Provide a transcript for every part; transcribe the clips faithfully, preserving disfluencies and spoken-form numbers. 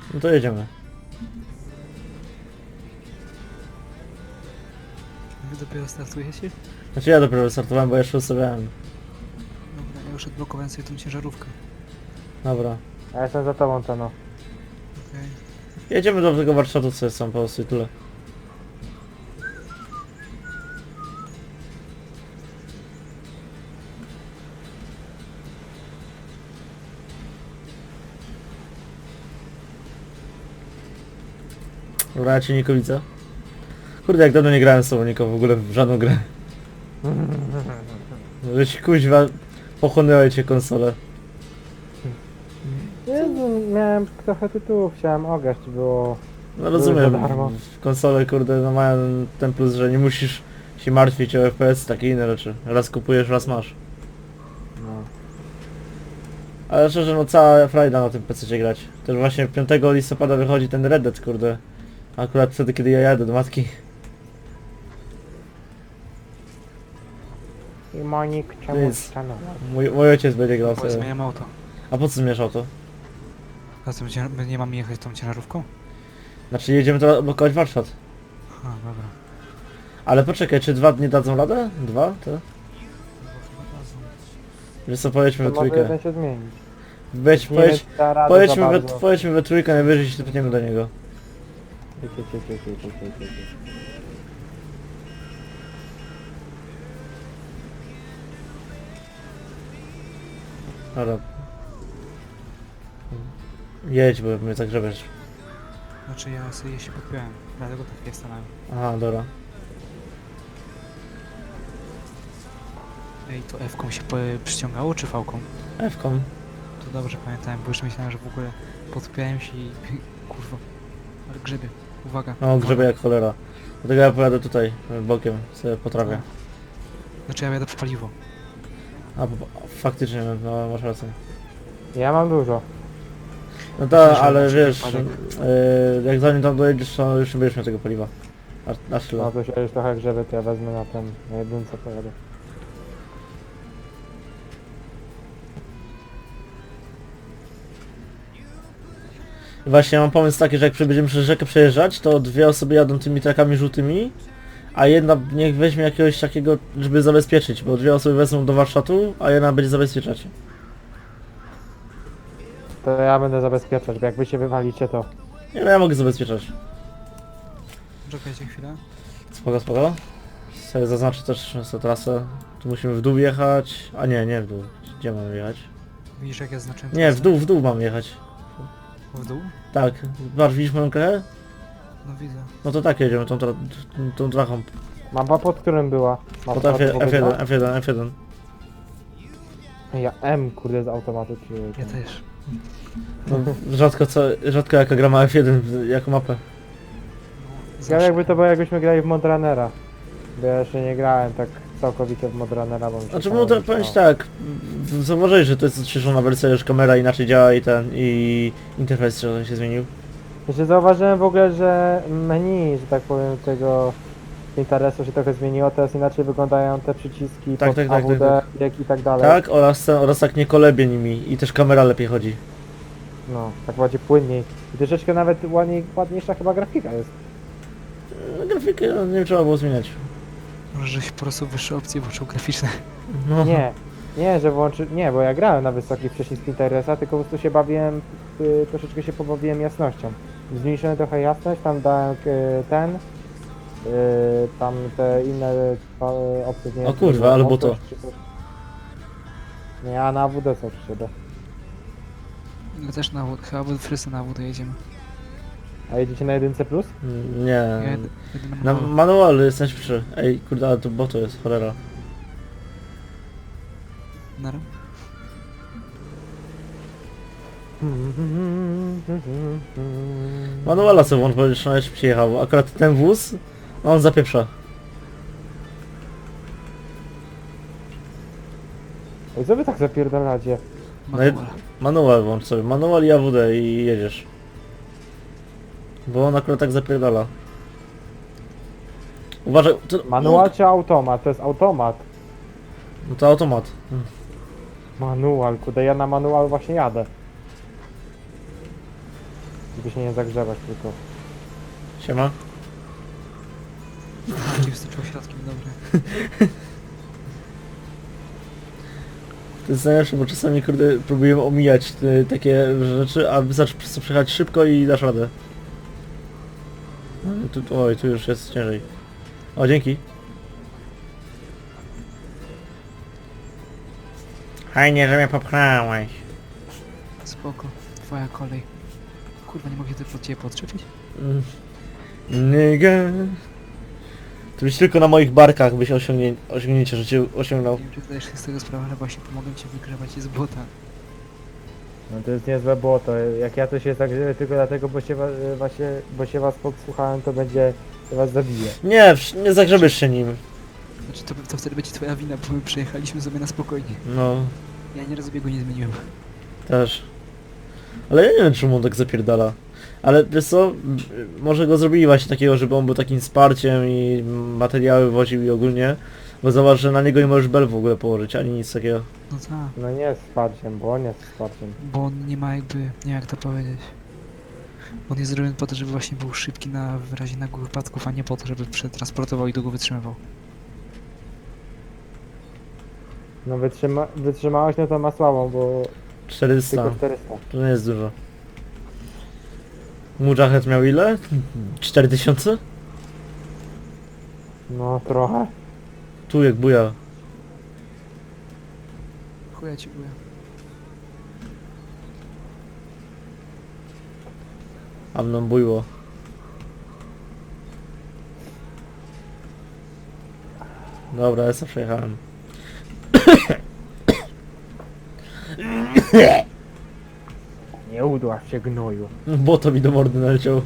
No to jedziemy. Wy dopiero startujecie? Znaczy ja dopiero wystartowałem, bo jeszcze ustawiałem. Dobra, ja już odblokowałem sobie tą ciężarówkę. Dobra. A ja jestem za tobą, to no. Okej. Jedziemy do tego warsztatu, co jest tam po prostu i tyle. Dobra, ja cię Niko widzę. Kurde, jak dawno nie grałem z tobą, Niko, w ogóle w żadną grę. Żeś kuźwa pochłonęły cię konsolę. Jezu, miałem trochę tytułów, chciałem ograć, było... No rozumiem, za darmo. w konsole kurde no mają ten plus, że nie musisz się martwić o F P S, takie inne rzeczy. Raz kupujesz, raz masz. No. Ale szczerze, no cała frajda na tym P C grać. Też właśnie piątego listopada wychodzi ten Red Dead, kurde. Akurat wtedy, kiedy ja jadę do matki. I Monik, czemu Nic. stanął? Mój, mój ojciec będzie grał Bo sobie. zmieniam auto. A po co zmieszał to? A co, będzie- my nie mamy jechać tą ciężarówką? Znaczy jedziemy teraz blokować warsztat. A, dobra. Ale poczekaj, czy dwa dni dadzą radę? Dwa? To? Wiesz co, pojedźmy To we może trójkę. jeden się zmienić. Weź, Nie pojedź, da rady pojedźmy, za we, bardzo. pojedźmy we trójkę, najwyżej się tepniemy do niego. Cie, cie, cie, cie, cie, cie, cie, cie. Dobra. Jedź, bo mnie zagrzebiesz. Znaczy ja sobie się podpiąłem, dlatego tak jest stanąłem. Aha, dobra. Ej, to F-ką się po, przyciągało czy V-ką? F-kom. To dobrze pamiętałem, bo już myślałem, że w ogóle podpiąłem się i... Kurwa. Ale grzebie. Uwaga. No, grzebie uwaga. jak cholera. Dlatego ja pojadę tutaj, bokiem, sobie potrafię. Znaczy ja jadę po paliwo. A, bo- faktycznie, no masz rację. Ja mam dużo. No Myślę, tak, że ale może wiesz, wypadek. yy, jak zanim tam dojedziesz, to już nie będziesz miał tego paliwa. Aż, aż tyle. No to się już trochę grzebie, to ja wezmę na ten, na jedynce pojadę. Właśnie mam pomysł taki, że jak będziemy przez rzekę przejeżdżać, to dwie osoby jadą tymi trakami żółtymi, a jedna niech weźmie jakiegoś takiego, żeby zabezpieczyć, bo dwie osoby wezmą do warsztatu, a jedna będzie zabezpieczać. To ja będę zabezpieczać, bo jak wy się wywalicie, to... Nie no, ja mogę zabezpieczać. Czekajcie chwilę. Spoko, spoko. Sobie zaznaczę też tę trasę. Tu musimy w dół jechać, a nie, nie w dół. Gdzie mamy jechać? Widzisz jak ja znaczyłem Nie, w trasę? dół, w dół mamy jechać. W dół? Tak, patrz, widzisz moją krechę? No widzę. No to tak jedziemy, tą, tra tą, tą trachą. Mapa pod którym była? Pod Mapa F, pod F jeden, F jeden, F jeden. Ja M, kurde, z automatu przyjąłem. Ja też. No, rzadko co, rzadko jaka gra ma F jeden jako mapę. No, Ja zawsze. jakby to było, jakbyśmy grali w Modrunnera. Bo ja jeszcze nie grałem tak całkowicie w Modrunnera, bo mi się Znaczy, samo no to nie powiem ci chciało. tak, w- zauważyłeś, że to jest odświeżona wersja, już kamera inaczej działa i ten, i interfejs trochę się zmienił. Jeszcze zauważyłem w ogóle, że menu, że tak powiem, tego interesu się trochę zmieniło, teraz inaczej wyglądają te przyciski Tak, pod tak, tak, A W D, tak, jak i tak dalej. Tak, oraz, oraz tak nie kolebie nimi i też kamera lepiej chodzi. No, tak bardziej płynniej. I troszeczkę nawet ładniej, ładniejsza chyba grafika jest. No, grafikę no, nie trzeba było zmieniać. Może żeś po prostu wyższe opcje włączył graficzne. No. Nie, nie, że włączy... Nie, bo ja grałem na wysokich wcześniej z Pinteresta, tylko po prostu się bawiłem, y, troszeczkę się pobawiłem jasnością. Zmniejszyłem trochę jasność, tam dałem y, ten, y, tam te inne y, opcje. Nie O wiem, czy kurwa, było ale mocność, buto. czy coś. Nie, a na A W D są przy siebie. My też na wód, chyba wszyscy na wód jedziemy. A jedziecie na jedynce plus? Nie. Ja jedę, jedę Na na manualu. manualu jest najszybszy. Ej, kurde, ale to boto jest, cholera. Nara. Manuala sobie włącz, bo już najszybciej jechał. Akurat ten wóz, on zapieprza. Ej, co wy tak zapierdalacie? No i- Manual. Manual włącz sobie, manual i A W D i jedziesz. Bo on akurat tak zapierdala. Uważaj, to... Manual czy automat? To jest automat. No to automat. Manual, kurde, ja na manual właśnie jadę. Żeby się nie zagrzewać tylko. Siema. Cię wstyczył środkiem, dobre. To jest najlepsze, bo czasami kurde próbuję omijać te, takie rzeczy, a wystarczy po prostu przejechać szybko i dasz radę. No, tu, oj, tu już jest ciężej. O, dzięki. Fajnie, że mnie popchnąłeś. Spoko, twoja kolej. Kurwa, nie mogę ty pod ciebie podczepić? Mm. Nigga. To byś tylko na moich barkach byś osiągnie, osiągnięcie życie osiągnął. Nie wiem, czy zdajesz sobie z tego sprawę, ale właśnie pomogę ci wygrywać z błota. No to jest niezłe błoto. Jak ja to się zagrzeję tylko dlatego, bo się, wa- właśnie, bo się was podsłuchałem, to będzie, to was zabije. Nie, wsz- nie zagrzebiesz się nim. Znaczy, to, to wtedy będzie twoja wina, bo my przejechaliśmy sobie na spokojnie. No, Ja nie rozbiegu nie zmieniłem. też. Ale ja nie wiem, czemu on tak zapierdala. Ale wiesz co, m- może go zrobili właśnie takiego, żeby on był takim wsparciem i materiały woził i ogólnie. Bo zobacz, że na niego nie możesz bel w ogóle położyć, ani nic takiego. No tak, No nie jest wsparciem, bo on jest wsparciem. bo on nie ma jakby, nie wiem jak to powiedzieć. On jest zrobiony po to, żeby właśnie był szybki na w razie nagłych wypadków, a nie po to, żeby przetransportował i długo wytrzymywał. No wytrzyma wytrzymałość no to ma słabą, bo czterysta. tylko czterysta. To nie jest dużo. Mujahid miał ile? cztery tysiące? No trochę. Tu jak buja. Chuja ci buja. A mną bujło. Dobra, ja sobie przejechałem. Nie udław się gnoju. Bo to mi do mordy naleciał.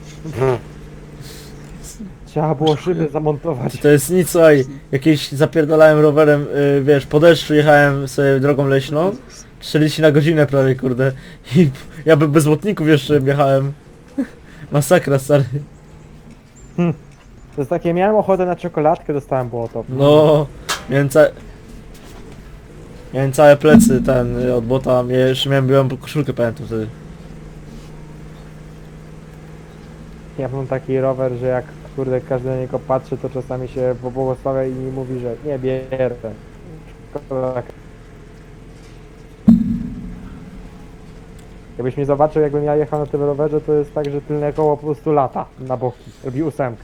Trzeba było szyby zamontować. To jest nic, słuchaj, jakieś zapierdalałem rowerem, yy, wiesz, po deszczu jechałem sobie drogą leśną, czterdzieści na godzinę prawie, kurde. I ja by bez błotników jeszcze jechałem. Masakra, stary. To jest takie, miałem ochotę na czekoladkę, dostałem błoto. No, miałem całe... Miałem całe plecy, ten, y, od bota, ja jeszcze miałem białą koszulkę, pamiętam wtedy. Ja mam taki rower, że jak kurde każdy na niego patrzy, to czasami się pobłogosławia i mówi, że nie bierę. Szkoda. Jakbyś mnie zobaczył, jakbym ja jechał na tym rowerze, to jest tak, że tylne koło po prostu lata na boki. Robi ósemkę.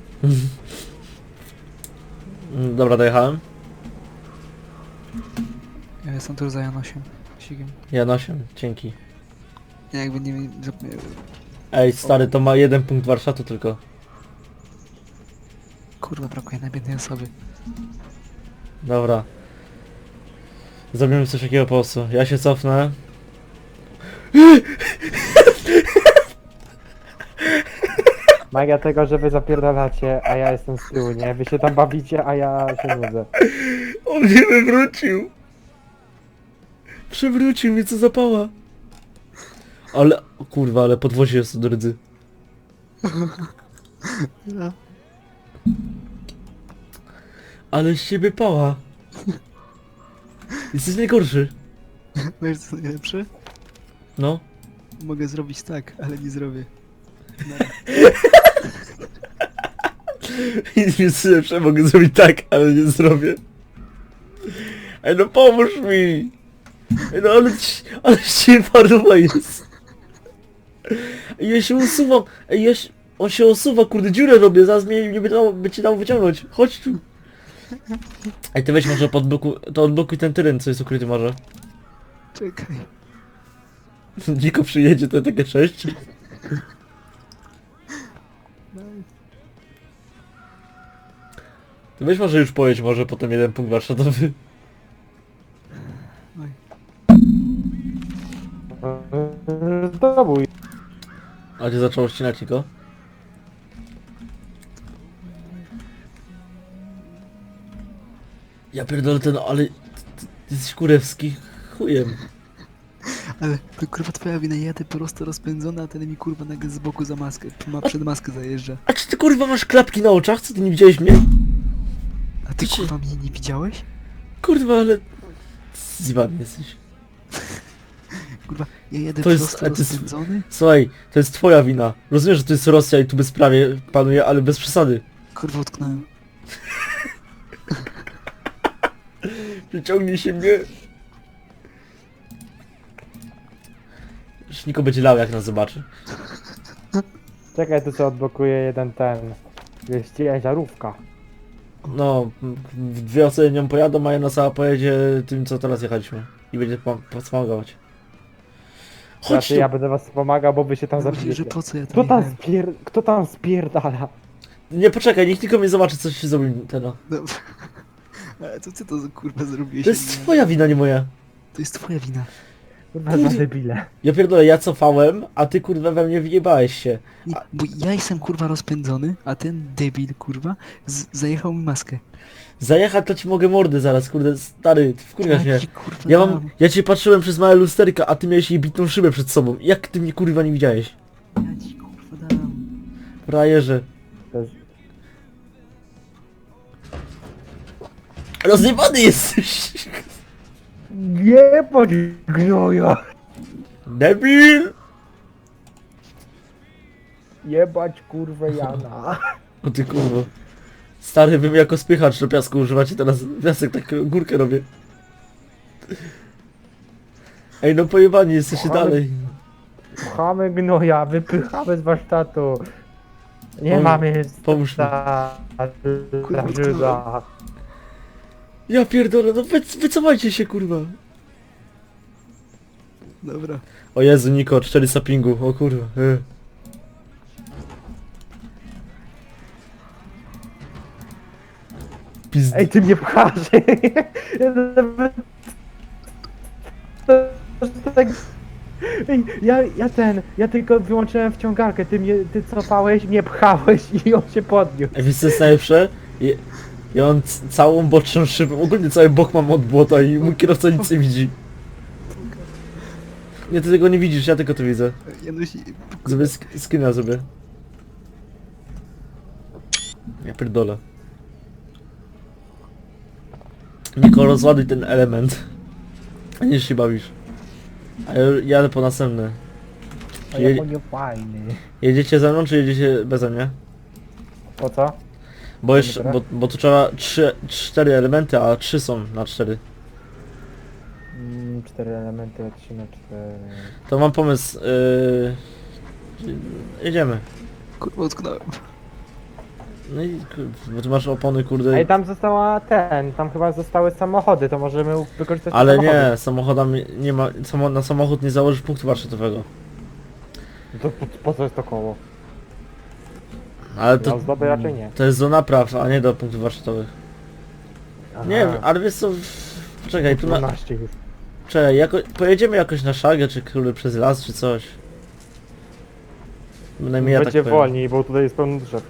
Mm, Dobra, dojechałem. Ja jestem tu za Janosiem. Sigiem. Janosiem, dzięki. Ja jakby nie... Ej, stary, to ma jeden punkt warsztatu tylko. Kurwa, brakuje najbiednej osoby. Dobra. Zrobimy coś takiego po prostu. Ja się cofnę. Magia tego, że wy zapierdalacie, a ja jestem z tyłu, nie? Wy się tam bawicie, a ja się nudzę. On mnie wywrócił. Przewrócił mnie, co zapała. Ale, o kurwa, ale podwozie jest do rdzy. No. Ale z ciebie pała. Jesteś najgorszy. Wiesz co najlepsze? No. Mogę zrobić tak, ale nie zrobię. Nic jest lepsze, mogę zrobić tak, ale nie zrobię. Ej, no pomóż mi. Ej, no ale, ci- ale się paruwa jest. Ej, ja się usuwam. Ej, ja się, on się osuwa, kurde, dziurę robię, zaraz mnie nie będzie dało, będzie dało wyciągnąć. Chodź tu. Ej, ty weź może pod bloku, to odblokuj ten teren, co jest ukryty może. Czekaj. Niko przyjedzie, to takie cześć. Ty weź może już pojedź, może potem jeden punkt warsztatowy. Oj. Zdobuj. A gdzie zaczęło ścinać, Niko? Ja pierdolę ten, ale... Ty, ty, ty jesteś kurewski chujem. Ale to kurwa twoja wina, ja jadę prosto rozpędzony, a ten mi kurwa nagle z boku za maskę, ma przed maskę zajeżdża. A czy ty kurwa masz klapki na oczach? Co ty nie widziałeś mnie? A ty Ty się- kurwa mnie nie widziałeś? Kurwa, ale... Zjebany jesteś. kurwa, ja jedę To jest- prosto a to jest- rozpędzony, Słuchaj, to jest twoja wina. Rozumiem, że to jest Rosja i tu bezprawie panuje, ale bez przesady. kurwa utknąłem. Przyciągnij się mnie. Już Niko będzie lał, jak nas zobaczy. Czekaj, tu co odblokuje jeden ten... Jest ciężarówka. No, w- dwie osoby nią pojadą, a jedna sama pojedzie tym, co teraz jechaliśmy. I będzie pom- pomagać. Chodź Znaczy, tu! ja będę was pomagał, bo wy się tam Mówię, zabijecie. że po co ja Kto tam tam, jechałem? spier... Kto tam spierdala? Nie, poczekaj, niech tylko mnie zobaczy, co się zrobił ten. no. Dobra. Ale to ty to kurwa zrobiłeś? To jest twoja wina, nie moja. To jest twoja wina. Kurwa, za debile. Ja pierdolę, ja cofałem, a ty kurwa we mnie wjebałeś się. Nie, bo ja jestem kurwa rozpędzony, a ten debil kurwa z- zajechał mi maskę. Zajechać to ci mogę mordy zaraz, kurde, stary, ty wkurwiasz mnie. Ja ci, kurwa, Ja mam, dam. ja cię patrzyłem przez małe lusterka, a ty miałeś jej bitą szybę przed sobą. Jak ty mnie kurwa nie widziałeś? Ja ci kurwa dam. Frajerze. To jest... Rozjebany jesteś! Nie podgnoja! Debil! Jebać kurwę Jana. O ty kurwa. Stary, wy mnie jako spychacz do piasku używacie teraz. Piasek tak górkę robię. Ej, no pojebani jesteście Ale- dalej. Pchamy gnoja, wypychamy z warsztatu. Nie Pom- mamy pomóż mi. za... Kurwa, za Żyda. Ja pierdolę, no wy, wycofajcie się kurwa. Dobra. O Jezu, Niko, czterysta pingu, o kurwa. E. Pizd... Ej, ty mnie pchasz! Tak- Ej, ja, ja ten, ja tylko wyłączyłem wciągarkę, ty mnie, ty cofałeś, mnie pchałeś i on się podniósł. Ej, wiesz co jest najlepsze? Ja, ja mam c- całą boczną szybę, ogólnie cały bok mam od błota i mój kierowca nic nie widzi. Nie, ty tego nie widzisz, ja tylko to widzę. Ja nosi... Zrobię sk screena sobie. Ja pierdolę. Niko, rozładuj ten element. A nie się bawisz. A ja jadę po następny. A Je jak on nie fajny. jedziecie ze mną, czy jedziecie beze mnie? Po co? Bo jeszcze, Dobra. bo, bo tu trzeba trzy, cztery elementy, a trzy są na cztery. Mm, cztery elementy, a trzy na cztery. To mam pomysł. Yy... Jedziemy. Kurwa utknąłem. No i kur- bo tu masz opony, kurde. Ej, tam została ten, tam chyba zostały samochody, to możemy wykorzystać te Ale samochody. nie, samochodami nie ma. Samo, na samochód nie założysz punktu warsztatowego. No to po, po co jest to koło? Ale To, to. na ozdoby raczej nie. To jest do napraw, a nie do punktów warsztatowych. Aha. Nie, ale wiesz co. Czekaj, tu na. dwanaście już. Czekaj, jako, pojedziemy jakoś na szagę, czy kurde przez las, czy coś. Bynajmniej ja tak Będzie powiem. wolniej, bo tutaj jest pełno drzew.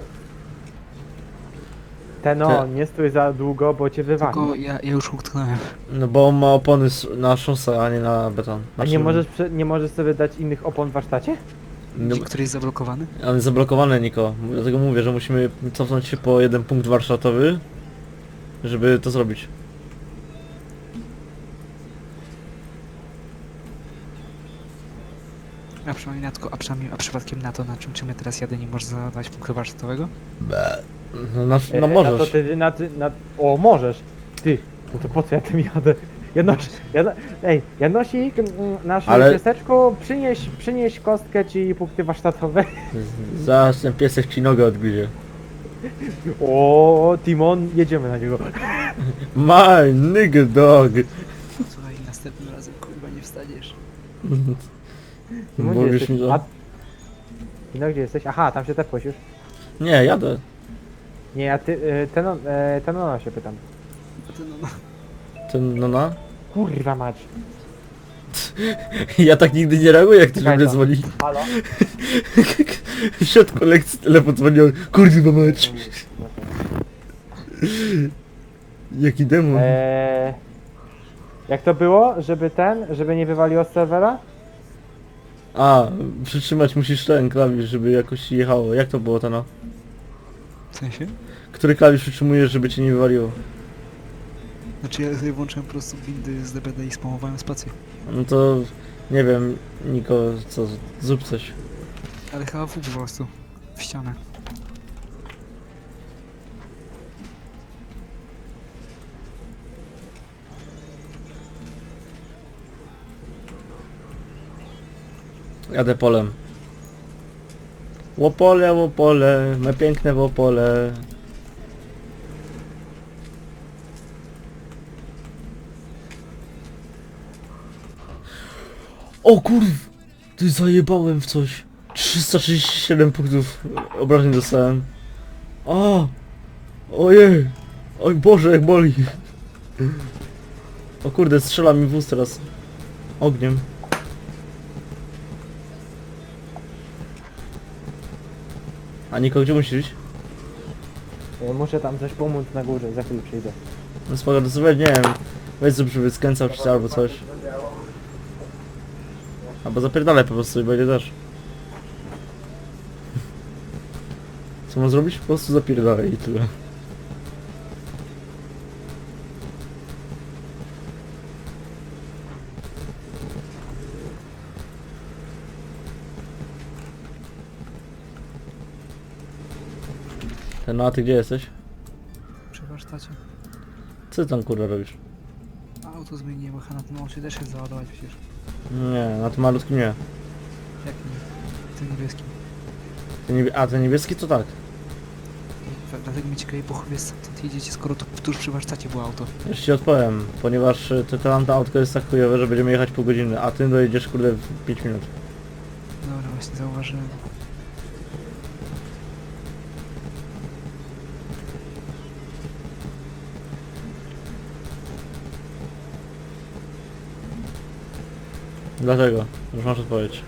Ten o, Te- nie stój za długo, bo cię wywali. Tylko ja, ja już utknąłem. No bo on ma opony s- na szosę, a nie na beton. A Znaczy, nie możesz, prze- nie możesz sobie dać innych opon w warsztacie? No, Który jest zablokowany? on jest zablokowany, Niko. Dlatego mówię, że musimy cofnąć się po jeden punkt warsztatowy, żeby to zrobić. A przynajmniej na to, a przynajmniej, a przypadkiem na to, na czym, czym ja teraz jadę, nie możesz zadać punktu warsztatowego? No, na, E, no A to możesz. ty na, ty- na... O, możesz! Ty, no to po co ja tym jadę? Janoś, Jano, ej, Janosik, mm, naszym Ale- pieseczku, przynieś, przynieś kostkę ci punkty warsztatowe. Zaraz ten piesek ci nogę odgryzie. O, Timon, jedziemy na niego. My nigga dog. Słuchaj, następnym razem kurwa nie wstaniesz. Timon, gdzie Mówisz jesteś? mi to? A... No gdzie jesteś? Aha, tam się tepłeś już. Nie, jadę. Nie, ja ty, y, ten, on- e, ten ona się pytam. A ty no, no. Ten, no na. Kurwa mać. Ja tak nigdy nie reaguję, jak ktoś do Czekaj mnie to. dzwoni. Halo? W środku lekcji telefon dzwonił. Kurwa mać. Jaki demon. Eee, jak to było, żeby ten, żeby nie wywaliło z serwera? A, przytrzymać musisz ten klawisz, żeby jakoś jechało. Jak to było to no? W sensie? Który klawisz przytrzymujesz, żeby cię nie wywaliło? Znaczy ja sobie włączyłem po prostu windy z D B D i spamowałem spację. No to Nie wiem, Niko, co, zrób coś. Ale chyba w po prostu. W ścianę. Jadę polem. Łopole, łopole, me piękne łopole. O kurw! Ty zajebałem w coś. trzysta trzydzieści siedem punktów obrażeń dostałem. O! Ojej! Oj Boże, jak boli! O kurde, strzela mi wóz teraz. Ogniem. A Niko, gdzie musisz iść? Y, Muszę tam coś pomóc na górze, za chwilę przyjdę. No spoko, to sobie, nie wiem, weź zrób, żeby skręcał ci albo coś. Albo zapierdalaj po prostu i będzie też. Co mam zrobić? Po prostu zapierdalaj i tyle. Ten, no a ty gdzie jesteś? Przy warsztacie. Co ty tam kurwa robisz? Auto zmieniłem, a na tym się też jest załadować przecież. Nie, na tym malutkim nie. Jak nie? Tym niebieskim. Ten niebie... A, ten niebieski to tak. I dlatego mnie ciekawi po chuj stąd jedziecie, skoro to tuż przy warsztacie było auto. Już ci odpowiem, ponieważ y, to tamte autko jest tak chujowe, że będziemy jechać pół godziny, a ty dojedziesz kurde w pięć minut. Dobra, właśnie zauważyłem. Dlatego, już masz odpowiedź.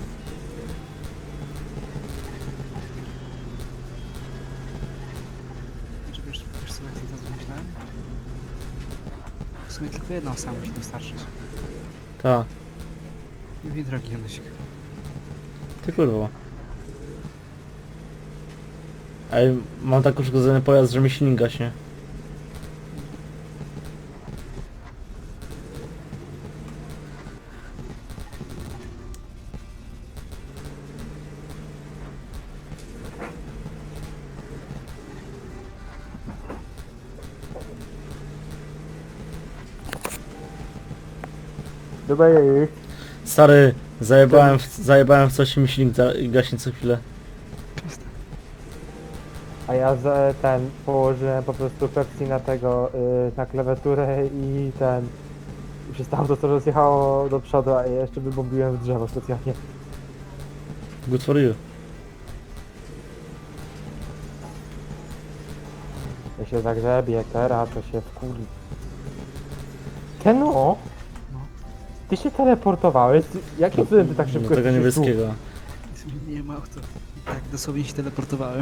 Czy wiesz, wiesz co, jak ja to myślałem? W sumie tylko jedną sam musi dostarczyć. Tak, I wie, drogi Janusik. ty kurwa. Ej, mam tak uszkodzony pojazd, że mi silnik gaśnie. Dobra, jej. Stary, zajebałem w, zajebałem w coś i mi silnik za- gaśnie co chwilę. A ja za, ten położyłem po prostu Pepsi na tego, y, na klawiaturę i ten... I przez to auto to rozjechało do przodu, a ja jeszcze wybombiłem w drzewo specjalnie. Good for you. Ja się zagrzebie teraz, to się wkurwi. Keno? No. Ty się teleportowałeś? Ty- Jakim cudem ty tak Do szybko tego jesteś tu? niebieskiego. Nie ma auto. I tak dosłownie się teleportowałem.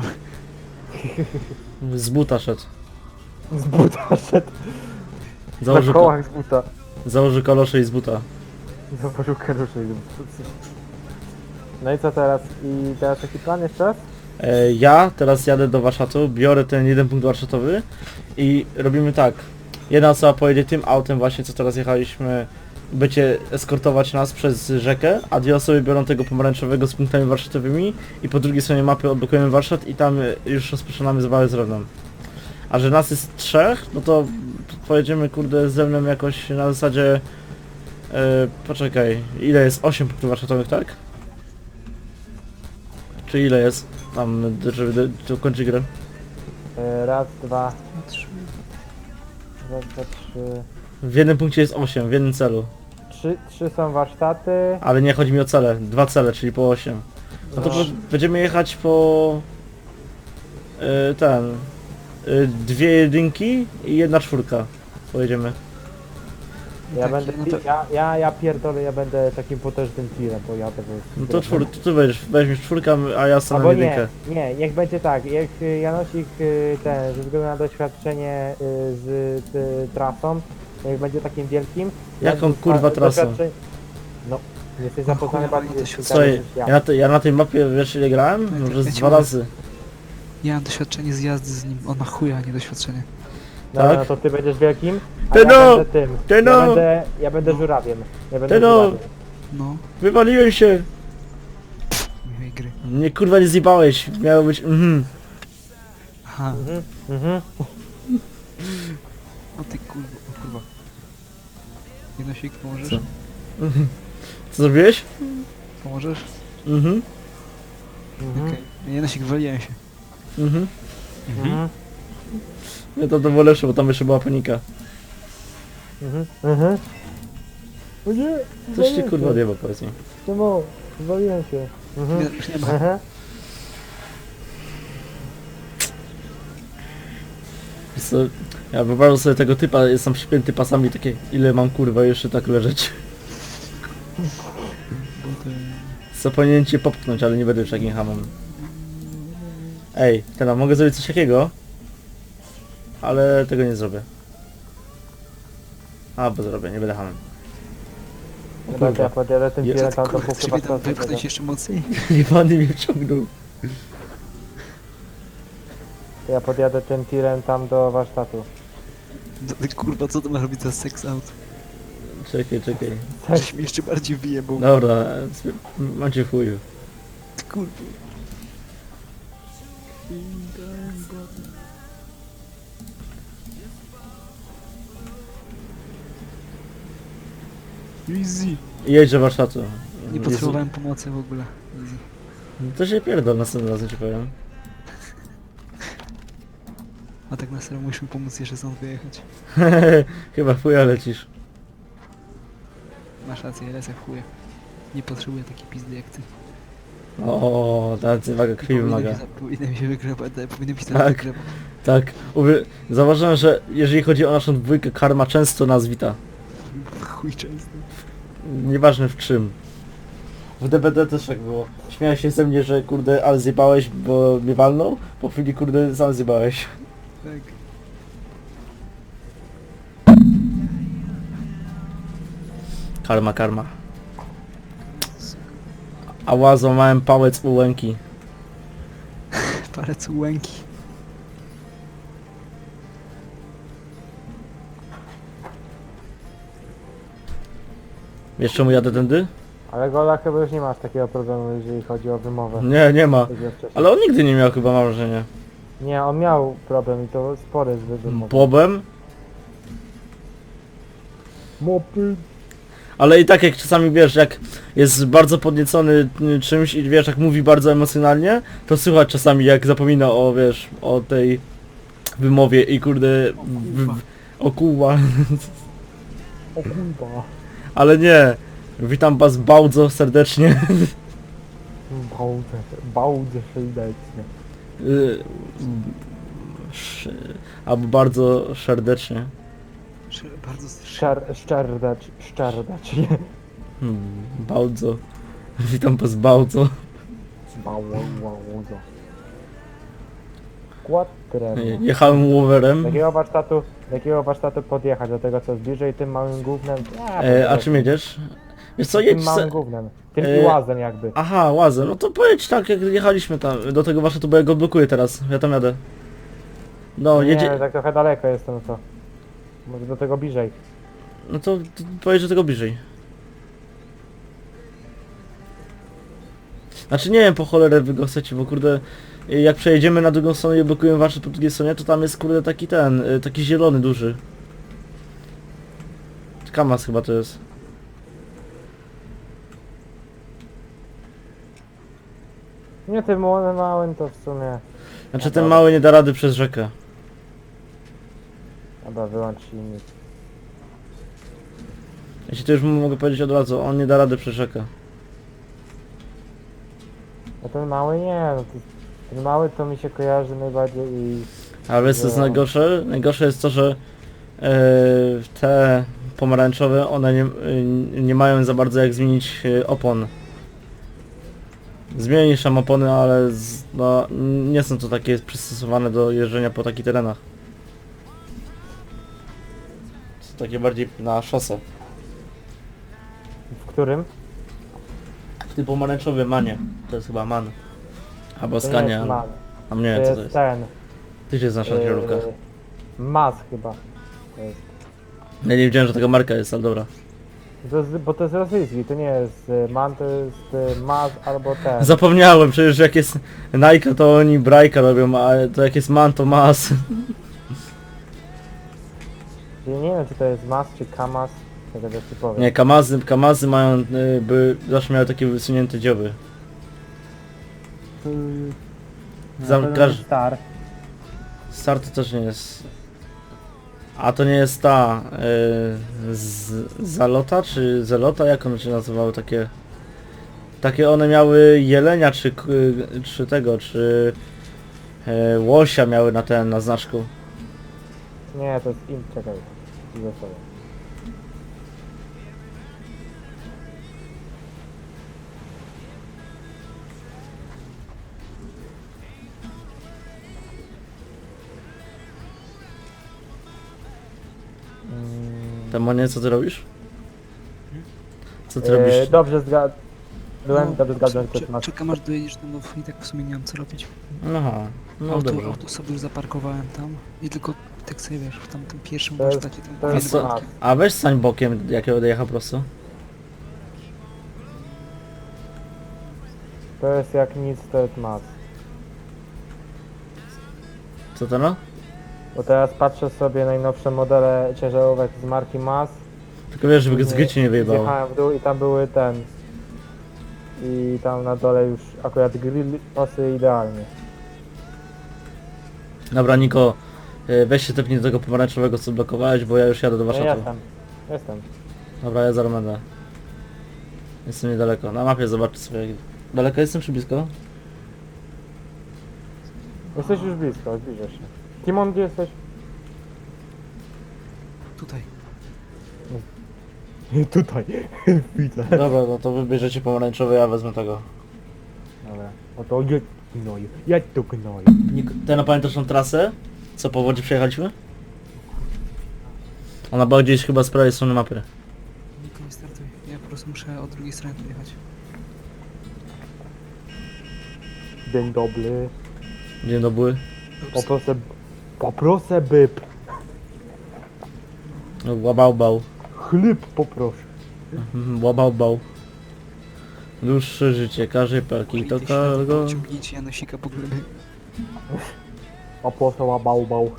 Z buta szedł. Z buta szedł. Założy, Na ko kołach z buta. założy kalosze i z buta. Zobaczył karuszy. No i co teraz? I teraz taki plan jeszcze raz? E, ja teraz jadę do warsztatu, biorę ten jeden punkt warsztatowy i robimy tak. Jedna osoba pojedzie tym autem właśnie, co teraz jechaliśmy, będzie eskortować nas przez rzekę, a dwie osoby biorą tego pomarańczowego z punktami warsztatowymi i po drugiej stronie mapy odblokujemy warsztat i tam już rozpoczynamy zabawę z Rewnem. A że nas jest trzech, no to pojedziemy kurde ze mną jakoś na zasadzie... E, poczekaj, ile jest? osiem punktów warsztatowych, tak? Czy ile jest? Tam, żeby dokończyć grę. E, Raz, dwa, Trzy. raz, dwa, trzy. W jednym punkcie jest osiem, w jednym celu. Trzy, trzy są warsztaty. Ale nie chodzi mi o cele, dwa cele, czyli po osiem. No to No. po, będziemy jechać po... y, ten... y, dwie jedynki i jedna czwórka. Pojedziemy. Ja Tak, będę, no to- ja, ja, ja pierdolę, ja będę takim potężnym tirem, bo ja tego... No to czwór, to ty weźmiesz, weźmiesz czwórkę, a ja stanę Albo jedynkę. nie, nie, niech będzie tak, jak y, Janosik y, ten, ze względu na doświadczenie y, z y, trasą, niech będzie takim wielkim. Jaką, Ja- kurwa, a, trasą? doświadczenie- No, jesteś O zapoznany chuja, bardziej to z się- tym Słuchaj, niż ja na, tej, ja na tej mapie wiesz ile grałem? Ja Może z ci dwa mówię. razy. Ja mam doświadczenie z jazdy z nim. On ma chuja, a nie doświadczenie. No, tak? no to ty będziesz wielkim, a Ty ja no! będę tym. Ty Ja no! będę, ja będę żurawiem. Ja będę Ty no! żurawiem. No, Wywaliłem się! miłej gry. Nie kurwa nie zjebałeś, miało być mhm. Aha, Mhm, mhm. o ty kurwa, o kurwa. Jenosik, pomożesz? Co? Co zrobiłeś? Pomożesz? Mhm. Mhm, Okej. Jenosik, wywaliłem się. Mhm. mhm, Nie, to to było lepsze, bo tam jeszcze była panika. mhm, mhm. O nie, Coś ci kurwa odjeba, powiedz mi. Czemu? Zwaliłem się. Mhm. Nie, już nie ma. Mhm. Wiesz co, ja wyobrażam sobie tego typa, jestem przypięty pasami, takie ile mam kurwa jeszcze tak leżeć. Bo to... Co powinienem cię popchnąć, ale nie będę już takim hamem. Ej, teraz mogę zrobić coś takiego, ale tego nie zrobię. A, bo zrobię, nie będę hamem. O Dobra, ja kurwa, podjadę tym Je- tirem Co ty tam do kurwa, punktu ciebie tam patrzącego. wypchnąć jeszcze mocniej? jebany mnie wciągnął. Ja podjadę tym tirem tam do warsztatu. No ty kurwa, co to ma robić za sex out? Czekaj, czekaj. Żeś mi jeszcze bardziej wyjebał. Dobra, macie w chuju. Ty kurwa. Easy. Jedź do warsztatu. Nie potrzebowałem pomocy w ogóle. Easy. To się pierdol następnym razem ci powiem. A tak na serio musimy pomóc jeszcze stąd wyjechać. Chyba w chuja lecisz. Masz rację, lecę w chuje. Nie potrzebuję takiej pizdy jak ty. O, ta waga krwi wymaga. Powinienem się- Powinienem się wygrywać, powinienem się Tak. tak wygrywać. Tak, uwy... zauważyłem, że jeżeli chodzi o naszą dwójkę, karma często nas wita. Chuj często. Nieważne w czym. W D B D też tak było. Śmiałeś się ze mnie, że kurde, ale zjebałeś, bo mnie walnął. Po chwili kurde, sam zjebałeś. Tak. Karma, karma. Ała, złamałem pałec u łęki. Palec łęki. Wiesz czemu jadę tędy? Ale Gola chyba już nie masz takiego problemu, jeżeli chodzi o wymowę. Nie, nie ma. Jak ja wcześniej. Ale on nigdy nie miał chyba, mam wrażenie. Nie, on miał problem i to spory z wymową. Bobem? Mopy. Ale i tak jak czasami wiesz, jak jest bardzo podniecony y, czymś i wiesz, jak mówi bardzo emocjonalnie, to słychać czasami jak zapomina o, wiesz, o tej wymowie i kurde... W, w, o kurwa. O kurwa. Ale nie. Witam was bardzo serdecznie. Bałdę, bałdę serdecznie. Y, sz- Albo bardzo serdecznie. Sz- Bardzo Szczer, szczerdacz, szczerdacz. Hmm, bardzo. Witam was bardzo. Bałdę, bałdę. Quattrem. Jechałem łowerem. Do jakiego warsztatu, do jakiego warsztatu podjechać? Do tego co jest bliżej, tym małym gównem? Ja, E, a to- czym jedziesz? Wiesz co, Tym jedź se... małym gównem. Tym E, i łazem jakby. Aha, łazem. No to pojedź tak, jak jechaliśmy tam, do tego warsztatu, bo ja go blokuję teraz. Ja tam jadę. No, Nie, jedzie... tak trochę daleko jest to, no to. Może do tego bliżej. No to to pojedź do tego bliżej. Znaczy nie wiem po cholerę wy go chcecie, bo kurde... Jak przejedziemy na drugą stronę i blokujemy warsztat po drugiej stronie, to tam jest kurde taki ten, y, taki zielony duży. Kamas chyba to jest. Nie, tym małym, małym to w sumie. Znaczy ten mały nie da rady przez rzekę. Dobra, wyłącz silnik. Jeśli to już mogę powiedzieć od razu, on nie da rady przez rzekę. A ten mały nie, no to, ten mały to mi się kojarzy najbardziej i... A wiesz co jest No. najgorsze? Najgorsze jest to, że e, te pomarańczowe, one nie, e, nie mają za bardzo jak zmienić e, opon. Zmienisz tam opony, ale z, no, nie są to takie przystosowane do jeżdżenia po takich terenach. Są takie bardziej na szosę. W którym? W tym pomarańczowym manie. To jest chyba man. Albo To nie skania. jest albo... man. A nie, To co jest to jest? ten. Ty się znasz na kierunkach. Yy, Mas chyba. To jest. Ja nie wiedziałem, że taka marka jest, ale dobra. To jest, bo to jest rosyjski, to nie jest y, man, to jest y, maz albo ten. Zapomniałem, przecież jak jest Nike to oni brajka robią, a to jak jest man to mas. Ja nie wiem czy to jest maz czy kamaz, tego też ci powiem. Nie, Kamazy, Kamazy mają, y, by, zawsze miały takie wysunięte dzioby. Zam, każ, Star. Star to też nie jest. A to nie jest ta y, z, Zalota czy Zelota, jak one się nazywały takie? Takie one miały jelenia czy, k- czy tego, czy y, łosia miały na ten, na znaczku. Nie, to jest im, czekaj. Ze sobą. Mm, Demonie, co ty robisz? Co ty e, robisz? Dobrze zgad... Byłem, No, dobrze zgadłem, cze- co masz. Czekam aż dojedziesz, no bo i tak w sumie nie mam co robić. Aha, no auto, dobrze. auto sobie już zaparkowałem tam i tylko tak sobie wiesz, w tamtym pierwszym To jest- warsztacie tam to A, jest- powiedzmy- co, a weź stań bokiem, jak ja będę jechał prosto. To jest jak nic, to jest maz. Co to no? Bo teraz patrzę sobie najnowsze modele ciężarówek z marki Maz. Tylko wiesz, żeby z gry ci nie wyjebało. Zjechałem w dół i tam były ten. I tam na dole już akurat grill pasuje idealnie. Dobra, Niko, y, weź się tepnij do tego pomarańczowego, co blokowałeś, bo ja już jadę do No Warszawy. jestem, jestem. Dobra, ja zaraz będę. Jestem niedaleko. Na mapie zobaczcie sobie. jak- Daleko jestem czy blisko? Jesteś już blisko, zbliżasz się. Timon, gdzie jesteś? Tutaj. Tutaj. Widzę. Dobra, no to wybierzecie pomarańczowy, ja wezmę tego. Dobra. O to jedź gnoju, jedź tu gnoju. Niko, ty pamiętasz tą trasę? Co po wodzie przejechaliśmy? Ona była gdzieś chyba z prawej strony mapy. Niko nie startuj. Ja po prostu muszę od drugiej strony pojechać. Dzień dobry. Dzień dobry. Ups. Poproszę... Poproszę byb. Łabał bał. Chleb poproszę. Mhm, Łabał bał. Dłuższe życie, każe paki, to Idę śladu, kargo. Ciągnijcie Janosika po glebie. Poproszę łabał bał.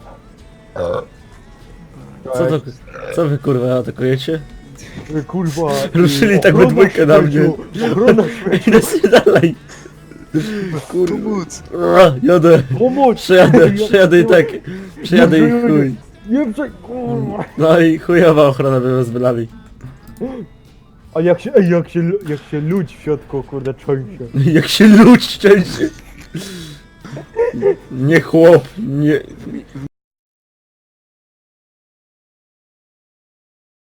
Co to, co wy kurwa atakujecie? Ty, kurwa. Ruszyli tak we ochrona dwójkę na mnie. śmierciu, Ochrona śmierci. Idę sobie dalej. Pomóc! Ura, jadę. Pomoc! Przejadę, przejadę i tak. Przejadę i chuj. Nie przej... kurwa. No i chujowa ochrona by was bylali. A jak się, ej, jak się, jak się ludź w środku, kurde, trzęsie. Jak się ludź szczęście. Nie chłop, nie...